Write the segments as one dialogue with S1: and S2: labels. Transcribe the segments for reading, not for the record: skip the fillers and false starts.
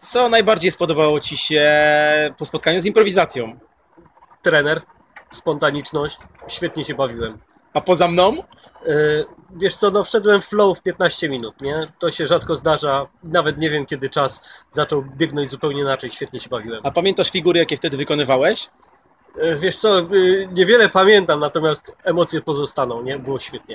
S1: Co najbardziej spodobało Ci się po spotkaniu z improwizacją?
S2: Trener, spontaniczność, świetnie się bawiłem.
S1: A poza mną?
S2: Wiesz co, no wszedłem w flow w 15 minut, nie? To się rzadko zdarza, nawet nie wiem kiedy czas zaczął biegnąć zupełnie inaczej, świetnie się bawiłem.
S1: A pamiętasz figury, jakie wtedy wykonywałeś?
S2: Wiesz co, niewiele pamiętam, natomiast emocje pozostaną, nie? Było świetnie.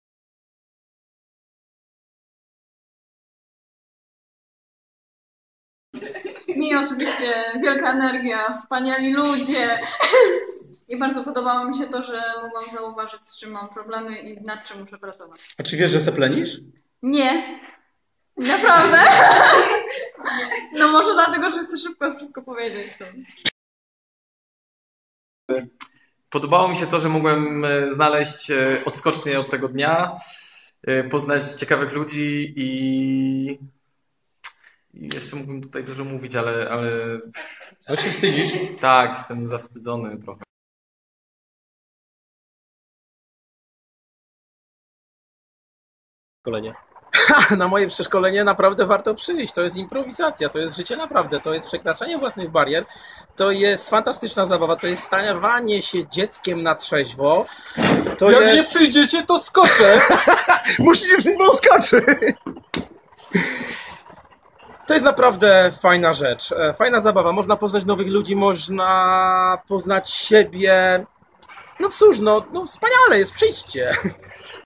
S3: Mi oczywiście wielka energia, wspaniali ludzie i bardzo podobało mi się to, że mogłam zauważyć, z czym mam problemy i nad czym muszę pracować.
S4: A czy wiesz, że seplenisz?
S3: Nie, naprawdę. No może dlatego, że chcę szybko wszystko powiedzieć.
S5: Podobało mi się to, że mogłem znaleźć odskocznie od tego dnia, poznać ciekawych ludzi i jeszcze mógłbym tutaj dużo mówić, ale...
S4: Ale się wstydzisz?
S5: Tak, jestem zawstydzony trochę.
S2: Szkolenie.
S1: Na moje przeszkolenie naprawdę warto przyjść. To jest improwizacja, to jest życie naprawdę, to jest przekraczanie własnych barier, to jest fantastyczna zabawa, to jest stawanie się dzieckiem na trzeźwo. To
S4: Jak
S1: jest...
S4: nie przyjdziecie, to skoczę!
S1: Musicie przy tym skoczyć! To jest naprawdę fajna rzecz, fajna zabawa. Można poznać nowych ludzi, można poznać siebie. No cóż, no wspaniale jest, przyjdźcie.